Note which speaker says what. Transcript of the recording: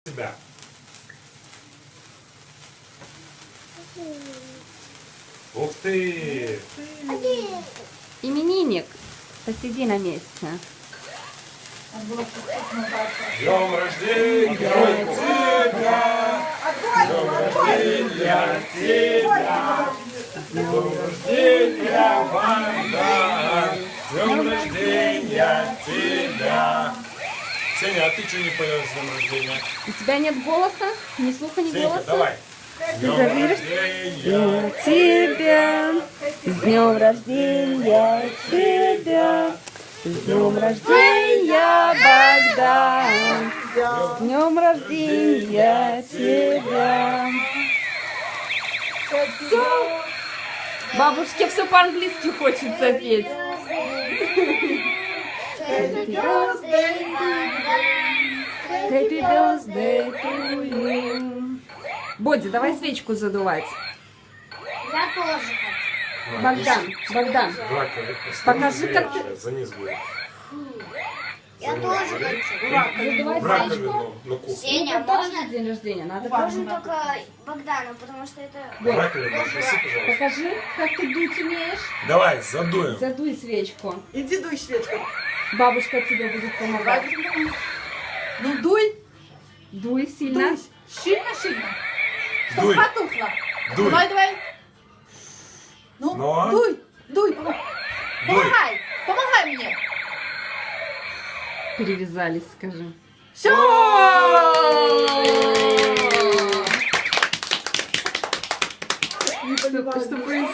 Speaker 1: Себя. Ух ты!
Speaker 2: Именинник, посиди на месте.
Speaker 1: Днем рождения тебя! Днем рождения тебя! Днем рождения, Богдан! Днем рождения тебя! Сеня, а ты что не поешь с днем рождения?
Speaker 2: У тебя нет голоса? Ни слуха, ни
Speaker 1: Сенька,
Speaker 2: голоса?
Speaker 1: давай! С днем рождения
Speaker 2: тебя! С днем рождения тебя! С днем рождения, Богдан! С днем рождения тебя! Все. Бабушке все по-английски хочется петь. Happy birthday to you. Боди, давай свечку задувать.
Speaker 3: Я тоже хочу.
Speaker 2: Богдан, покажи, как ты...
Speaker 1: За низ будет.
Speaker 3: Я тоже хочу.
Speaker 2: Задувать
Speaker 1: В
Speaker 2: свечку.
Speaker 1: раковину на кухню.
Speaker 3: Сеня,
Speaker 2: Ну, тоже
Speaker 3: можно?
Speaker 2: день рождения, надо
Speaker 3: Можно
Speaker 2: праздновать.
Speaker 3: только Богдану, потому что это...
Speaker 1: В раковину гаси, пожалуйста.
Speaker 2: Покажи, как ты дуть умеешь.
Speaker 1: Давай, задуем.
Speaker 2: Задуй свечку.
Speaker 4: Иди дуй свечку.
Speaker 2: Бабушка тебе будет помогать.
Speaker 4: Ну дуй.
Speaker 2: Дуй сильно.
Speaker 4: Дуй. Сильно. Чтоб
Speaker 1: Дуй.
Speaker 4: потухло.
Speaker 1: Дуй.
Speaker 4: Давай. Ну,
Speaker 1: Но.
Speaker 4: дуй.
Speaker 1: Дуй.
Speaker 4: Помогай мне.
Speaker 2: Перевязались, скажи.
Speaker 4: Все.
Speaker 2: Что происходит?